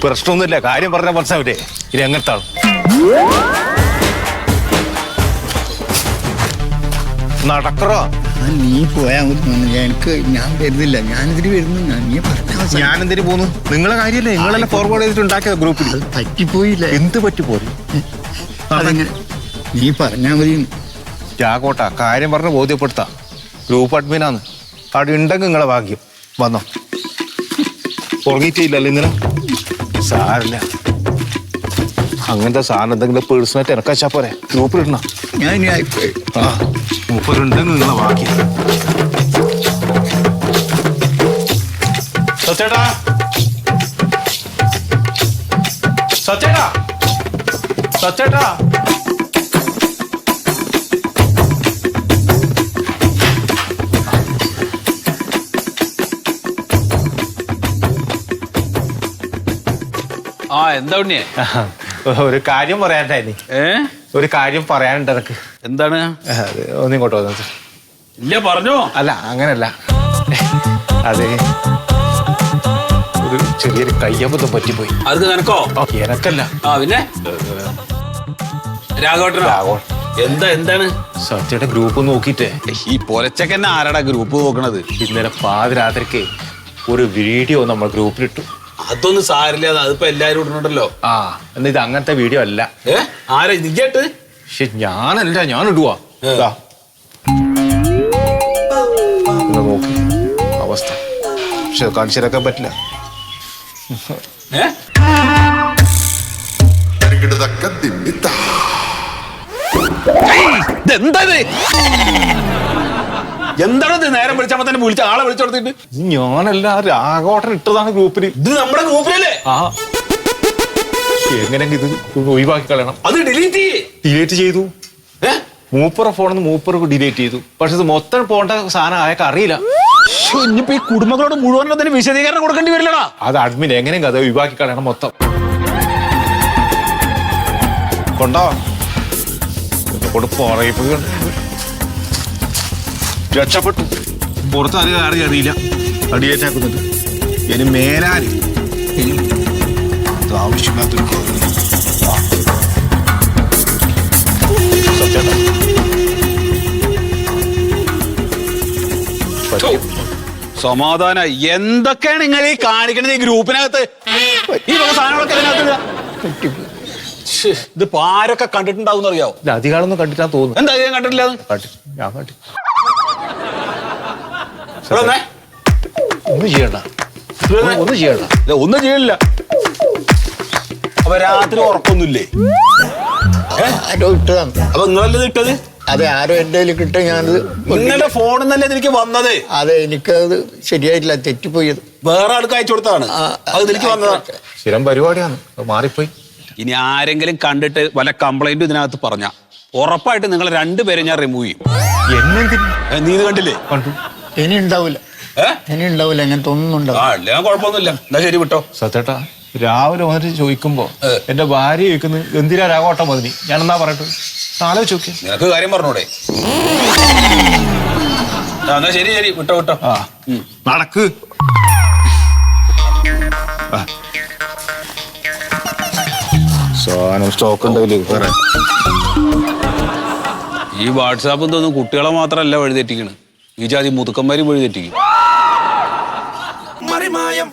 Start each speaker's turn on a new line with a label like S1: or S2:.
S1: പ്രശ്നമൊന്നുമില്ല, കാര്യം പറഞ്ഞാൽ മനസ്സിലാവില്ലേ? ഇത് എങ്ങനത്താണ്? നടക്കറോ?
S2: നീ പോയാ എനിക്ക് ഞാൻ വരുന്നില്ല, ഞാനിതിന് വരുന്നു. നീ പറഞ്ഞ
S1: ഞാനെന്തിനു പോന്നു? നിങ്ങളെ കാര്യമല്ലേ, നിങ്ങളെല്ലാം ഫോർവേഡ് ചെയ്തിട്ട് ഉണ്ടാക്കിയ ഗ്രൂപ്പിൽ.
S2: പറ്റിപ്പോയില്ല.
S1: എന്ത് പറ്റിപ്പോയി?
S2: അതെങ്ങനെ? നീ പറഞ്ഞാ മതി.
S1: ജാകോട്ട കാര്യം പറഞ്ഞ് ബോധ്യപ്പെടുത്താം. ഗ്രൂപ്പ് അഡ്മിനാന്ന്. അവിടെ ഉണ്ടെങ്കിൽ നിങ്ങളെ ഭാഗ്യം. വന്നോ, ഉറങ്ങിയിട്ടില്ലല്ലോ ഇന്നലെ? സാരില്ല, അങ്ങനത്തെ സാധനം എന്തെങ്കിലും പേഴ്സണായിട്ട് ഇറക്കാച്ചാ പോരെ, ഗ്രൂപ്പിലിടണം.
S2: ഞാൻ ഇനി ആയിപ്പോയി.
S1: ആ, മൂപ്പരുണ്ടെങ്കിൽ നിങ്ങളെ ഭാഗ്യം. സച്ചേട്ടാ, സച്ചേട്ടാ, സച്ചേട്ടാ.
S3: ആ എന്താ ഉണ്ണിയെ?
S1: ഒരു കാര്യം പറയാനുണ്ടായി. ഒരു കാര്യം പറയാനുണ്ട് എനക്ക്.
S3: എന്താണ്?
S1: ഒന്നിങ്ങോട്ടോ വന്നത്.
S3: ഇല്ല പറഞ്ഞോ.
S1: അല്ല അങ്ങനല്ല, അതെ ഒരു ചെറിയൊരു കയ്യബദ്ധം പറ്റിപ്പോയി.
S3: അത് നിനക്കോ?
S1: എനക്കല്ല.
S3: ആ പിന്നെ രാഘവട്ടനോ? എന്താണ്?
S1: സത്യയുടെ ഗ്രൂപ്പ് നോക്കിട്ടേ
S3: ഈ പൊലച്ചക്കന്നെ ആരാടാ ഗ്രൂപ്പ് നോക്കണത്?
S1: ഇന്നലെ പാതിരാത്രിക്ക് ഒരു വീഡിയോ നമ്മൾ ഗ്രൂപ്പിലിട്ടു.
S3: അതൊന്നും സാരില്ല, അതിപ്പോ എല്ലാരും ഇടുന്നുണ്ടല്ലോ.
S1: ആ, എന്നാ ഇത് അങ്ങനത്തെ വീഡിയോ അല്ല.
S3: ആരാ നിജായിട്ട്?
S1: പക്ഷെ ഞാനല്ല, ഞാൻ ഇടുവാ. നോക്കി അവസ്ഥ, പക്ഷെ കാണിച്ചിരക്കാൻ പറ്റില്ല.
S3: എന്താണത്? നേരം വിളിച്ചപ്പോ തന്നെ വിളിച്ച ആളെ വിളിച്ചോടത്തിട്ട്.
S1: ഞാനല്ല, രാഘവട്ടൻ ഇട്ടതാണ് ഗ്രൂപ്പിൽ.
S3: ഇത് നമ്മുടെ ഗ്രൂപ്പിലല്ലേ?
S1: ആ, എങ്ങനെയെങ്കിൽ ഇത് ഒഴിവാക്കി കളയണം.
S3: അത് ഡിലീറ്റ്
S1: ചെയ്തു. മൂപ്പറ ഫോണിന്ന് മൂപ്പർക്ക് ഡിലീറ്റ് ചെയ്തു. പക്ഷെ ഇത് മൊത്തം പോണ്ട സാധനം അയാൾക്ക് അറിയില്ല.
S3: ഇനിയിപ്പോ ഈ കുടുംബങ്ങളോട് മുഴുവൻ അതിന് വിശദീകരണം കൊടുക്കേണ്ടി വരില്ലടാ.
S1: അത് അഡ്മിൻ എങ്ങനെയെങ്കിലും അത് ഒഴിവാക്കി കളയണം മൊത്തം. കൊണ്ടോ രക്ഷപ്പെട്ടു. പുറത്ത് അറിയില്ല അടിയേറ്റാക്കുന്നുണ്ട്. ഇനി മേലാല് ആവശ്യമില്ലാത്തൊരു
S3: സമാധാന. എന്തൊക്കെയാണ് നിങ്ങൾ ഈ കാണിക്കണത് ഈ ഗ്രൂപ്പിനകത്ത്? ഈ വക സാധനങ്ങളൊക്കെ ഇതിനകത്ത് ഇതിപ്പോ ആരൊക്കെ കണ്ടിട്ടുണ്ടാവും അറിയാവോ?
S1: അധികാരൊന്നും കണ്ടിട്ടാ തോന്നുന്നു.
S3: എന്താ ഞാൻ കണ്ടിട്ടില്ല?
S1: ഞാൻ കണ്ടി. ഒന്നും ചെയ്യണ്ട, ഒന്നും ചെയ്യണ്ട,
S3: ഒന്നും ചെയ്യില്ല. അപ്പൊ രാത്രി ഉറക്കൊന്നുമില്ലേ?
S2: ആരോ ഇട്ടതാണ്.
S3: അപ്പൊ നിങ്ങളല്ലേ ഇട്ടത്?
S2: അതെ, ആരോ എന്റെ കയ്യിൽ കിട്ടുക. ഞാനത്
S3: നിങ്ങളുടെ ഫോണിൽ നിന്നല്ലേ എനിക്ക് വന്നത്?
S2: അതെ, എനിക്കത് ശരിയായിട്ടില്ല, തെറ്റിപ്പോയത്.
S3: വേറെ ആൾക്ക് അയച്ചു കൊടുത്താണ്. അത് എനിക്ക് വന്നതാണ്.
S1: സ്ഥിരം പരിപാടിയാണ്, മാറിപ്പോയി.
S3: ഇനി ആരെങ്കിലും കണ്ടിട്ട് വല്ല കംപ്ലൈന്റും ഇതിനകത്ത് പറഞ്ഞ ഉറപ്പായിട്ട് നിങ്ങൾ രണ്ടുപേരും ഞാൻ റിമൂവ് ചെയ്യും. നീ ഇത് കണ്ടില്ലേ?
S1: കണ്ടു.
S2: ഇനി ഉണ്ടാവില്ല, ഇനി ഉണ്ടാവില്ല, അങ്ങനത്തെ ഒന്നും ഉണ്ടാവില്ല.
S3: ഞാൻ കുഴപ്പമൊന്നുമില്ല. എന്നാ ശരി, വിട്ടോ.
S1: സത്തേട്ടാ, രാവിലെ വന്നിട്ട് ചോദിക്കുമ്പോ എന്റെ ഭാര്യ ചോദിക്കുന്നത് എന്തിനാ രാഘവട്ടം മതി? ഞാൻ എന്നാ പറയട്ടെ, ആലോചിച്ച് നോക്കി.
S3: നിനക്ക് കാര്യം പറഞ്ഞൂടെ? എന്നാ ശരി ശരി, വിട്ടോ വിട്ടോ.
S1: ആ, നടക്ക്. സാധനം സ്റ്റോക്ക് ഉണ്ടല്ലേ?
S3: ഈ വാട്സാപ്പ് തോന്നും കുട്ടികളെ മാത്രമല്ല വഴിതെറ്റിക്കണ്, ഈ ജാതി മുതുക്കന്മാരും വഴിതെറ്റിക്കും.